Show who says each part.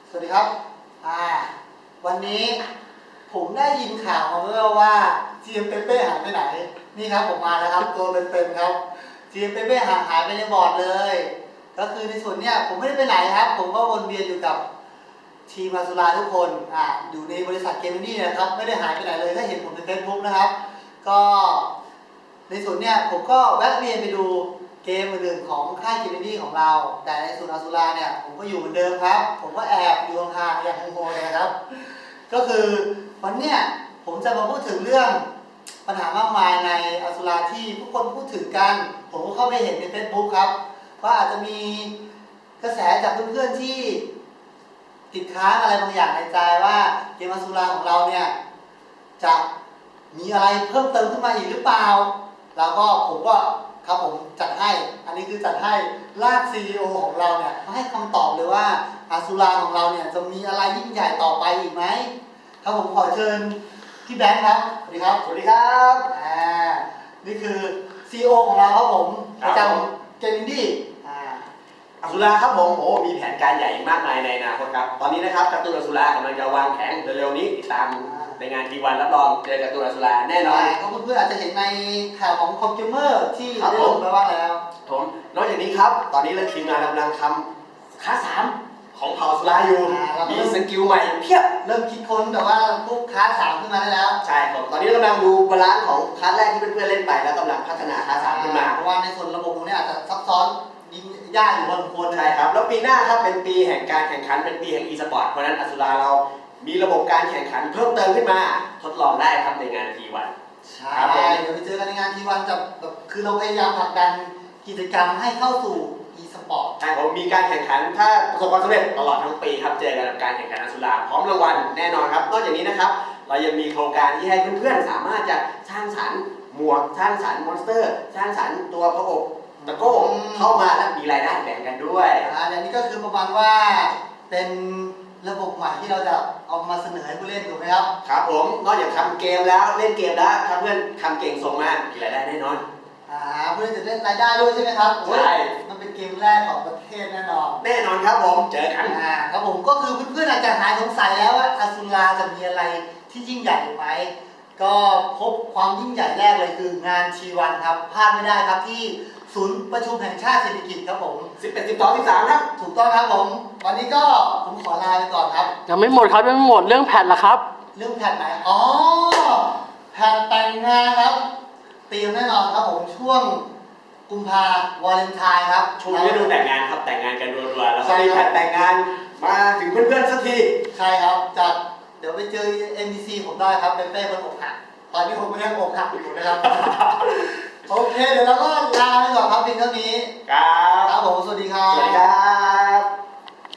Speaker 1: สวัสดีครับอ่าวันนี้ผมได้ยินข่าวมาว่าจีเอ็มเปเป้หายไปไหนนี่ครับผมมาแล้วครับตัวเป็นๆครับจีเอ็มเปเป้หายไปในบอร์ดเลยก็คือในส่วนเนี้ยผมไม่ได้ไปไหนครับผมก็วนเวียนอยู่กับทีมอาซูราทุกคนอยู่ในบริษัทเกมนี่นะครับไม่ได้หายไปไหนเลยถ้าเห็นผมใน Facebook นะครับก็ในส่วนเนี้ยผมก็แวะเวียนไปดูเกมอื่นๆของค่ายเกมนี่ของเราแต่ในส่วนอาซูราเนี่ยผมก็อยู่เหมือนเดิมครับผมก็แอบอยู่ห่างๆอย่างโฮๆเลยนะครับก็คือวันเนี้ยผมจะมาพูดถึงเรื่องปัญหามากมายในอาซูราที่ทุกคนพูดถึงกันผมก็เข้าไปเห็นใน Facebook ครับว่าอาจจะมีกระแสจากเพื่อนๆที่ติดค้างอะไรบางอย่างในใจว่าเกมอาซูราของเราเนี่ยจะมีอะไรเพิ่มเติมขึ้นมาอีกหรือเปล่าแล้วก็ผมก็ครับผมจัดให้อันนี้คือจัดให้ลาก CEO ของเราเนี่ยมาให้คำตอบเลยว่าอาซูราของเราเนี่ยจะมีอะไรยิ่งใหญ่ต่อไปอีกไหมครับผมขอเชิญพี่แบงค์ครับสวัสดีครับสวัสดีครับนี่คือ CEO ของเราครับผมประจำเกมอินดี้
Speaker 2: อสุราครับผมมีแผนการใหญ่มากมายในอนาคตครับตอนนี้นะครับการ์ตูนอสุรากำลังจะวางแผนเร็วๆนี้ติดตามในงานทีวันรับรองเจอการ์ตูนอสุราแน่นอน
Speaker 1: ก็เพื่อนๆอาจจะเห็นในข่าวของคอมพิวเมอร์ที่ได้ลงไปบ้างแล้ว
Speaker 2: ผมนอกจากนี้ครับตอนนี้เราทีมงานกำลังทำค้า3ของเผ่าอสุราอยู่มีสกิลใหม่เพียบ
Speaker 1: เริ่มคิดค้นแต่ว่าพวกค้า3ขึ้นมาได้แล้ว
Speaker 2: ใช่ผมตอนนี้เรากำลังดูบาลานซ์ของค้าแรกที่เพื่อนๆเล่นไปแล้วกำลังพัฒนาค้า3ขึ้นมา
Speaker 1: เพราะว่าในส่วนระบบตรงนี้อาจจะซับซ้อนยิงยากอยู่พอสมควร
Speaker 2: ใช่ครับแล้วปีหน้าครับเป็นปีแห่งการแข่งขันเป็นปีแห่ง e-sport เพราะนั้นอสุราเรามีระบบการแข่งขันเพิ่มเติมขึ้นมาทดลองได้ครับในงานทีวัน
Speaker 1: ใช่เดี๋ยวไปเจอกันในงานทีวันจะแบบคือเราพยายามผลักดันกิจกรรมให้เข้าสู่ e-sport
Speaker 2: ใช่ผมมีการแข่งขันถ้าประสบความสำเร็จตลอดทั้งปีครับเจอกันกับการแข่งขันอสุราพร้อมรางวัลแน่นอนครับนอกจากนี้นะครับเรายังมีโครงการที่ให้เพื่อนๆสามารถจะสร้างสรรค์หมวกสร้างสรรค์มอนสเตอร์สร้างสรรค์ตัวพระอบตะโก้เข้ามาและมีรายได้แบ่งกันด้วย
Speaker 1: อันนี้ก็คือประมาณว่าเป็นระบบใหม่ที่เราจะเอามาเสนอให้ผู้เล่นถูกไหมครับ
Speaker 2: ครับผมนอกจากทำเกมแล้วเล่นเกมแล้วถ้าเพื่อนทำเก่งส่งมามีรายได้แน่นอน
Speaker 1: เพื่อนจะเล่นรายได้ด้วยใช่ไหมครับ
Speaker 2: ใช่
Speaker 1: มันเป็นเกมแรกของประเทศแน่นอน
Speaker 2: ครับผมเจอกัน
Speaker 1: ครับผมก็คือเพื่อนๆอาจจะหายสงสัยแล้วว่าอาซูราจะมีอะไรที่ยิ่งใหญ่ไหมก็พบความยิ่งใหญ่แรกเลยคืองานทีวันครับพลาดไม่ได้ครับที่ศูนย์ประชุมแห่งชาติเศรษฐกิจครับผม
Speaker 2: 11 12 13ครับ
Speaker 1: ถูกต้องครับผมวันนี้ก็ผมขอลาไปก่อนครับ
Speaker 3: ยังไม่หมดครับยังไม่หมดเรื่องแพทล่ะครับ
Speaker 1: เรื่องแพทไหนแพทแต่งงานครับเตรียมแน่นอนครับผมช่วงกุมภาวาเลนไทน์ครับ
Speaker 2: ช่วงฤดูแต่งงานครับแต่งงานกันรัวๆแล้วก็มีแพทแต่งงานมาถึงเพื่อนๆสักที
Speaker 1: ใช่ครับจากเดี๋ยวไปเจอ MBC ผมได้ครับเป็นเป้คนอกหักตอนนี้ผมก็ยังอกหักอยู่นะครับ โอเคเดี๋ยวเราก็ลาไปก่อนครับเพียงเท่านี้